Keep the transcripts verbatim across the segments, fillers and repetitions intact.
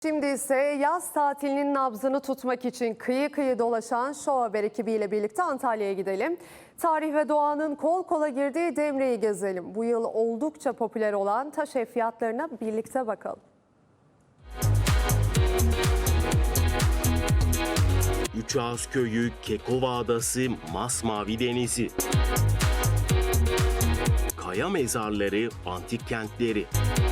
Şimdi ise yaz tatilinin nabzını tutmak için kıyı kıyı dolaşan Show Haber ekibiyle birlikte Antalya'ya gidelim. Tarih ve doğanın kol kola girdiği Demre'yi gezelim. Bu yıl oldukça popüler olan taş ev fiyatlarına birlikte bakalım. Üçağız Köyü, Kekova Adası, Masmavi Denizi, kaya mezarları, antik kentleri.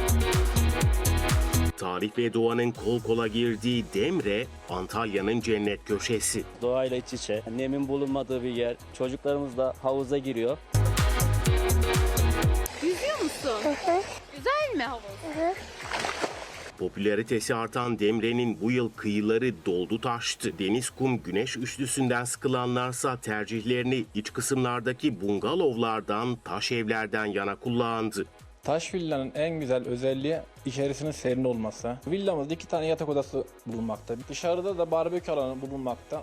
Tarih ve doğanın kol kola girdiği Demre, Antalya'nın cennet köşesi. Doğayla iç içe, nemin bulunmadığı bir yer. Çocuklarımız da havuza giriyor. Yüzüyor musun? Hı hı. Güzel mi havuz? Hı hı. Popülaritesi artan Demre'nin bu yıl kıyıları doldu taştı. Deniz, kum, güneş üçlüsünden sıkılanlarsa tercihlerini iç kısımlardaki bungalovlardan, taş evlerden yana kullandı. Taş villanın en güzel özelliği içerisinin serin olması. Villamızda iki tane yatak odası bulunmakta. Dışarıda da barbekü alanı bulunmakta.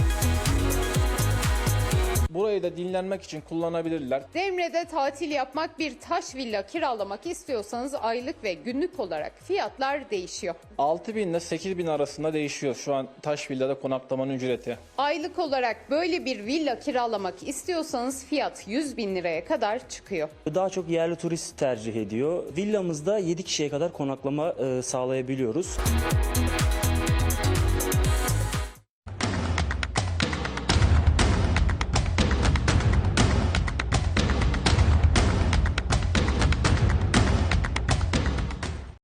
Burayı da dinlenmek için kullanabilirler. Demre'de tatil yapmak, bir taş villa kiralamak istiyorsanız aylık ve günlük olarak fiyatlar değişiyor. altı bin ile sekiz bin arasında değişiyor şu an taş villada konaklamanın ücreti. Aylık olarak böyle bir villa kiralamak istiyorsanız fiyat yüz bin liraya kadar çıkıyor. Daha çok yerli turist tercih ediyor. Villamızda yedi kişiye kadar konaklama e, sağlayabiliyoruz.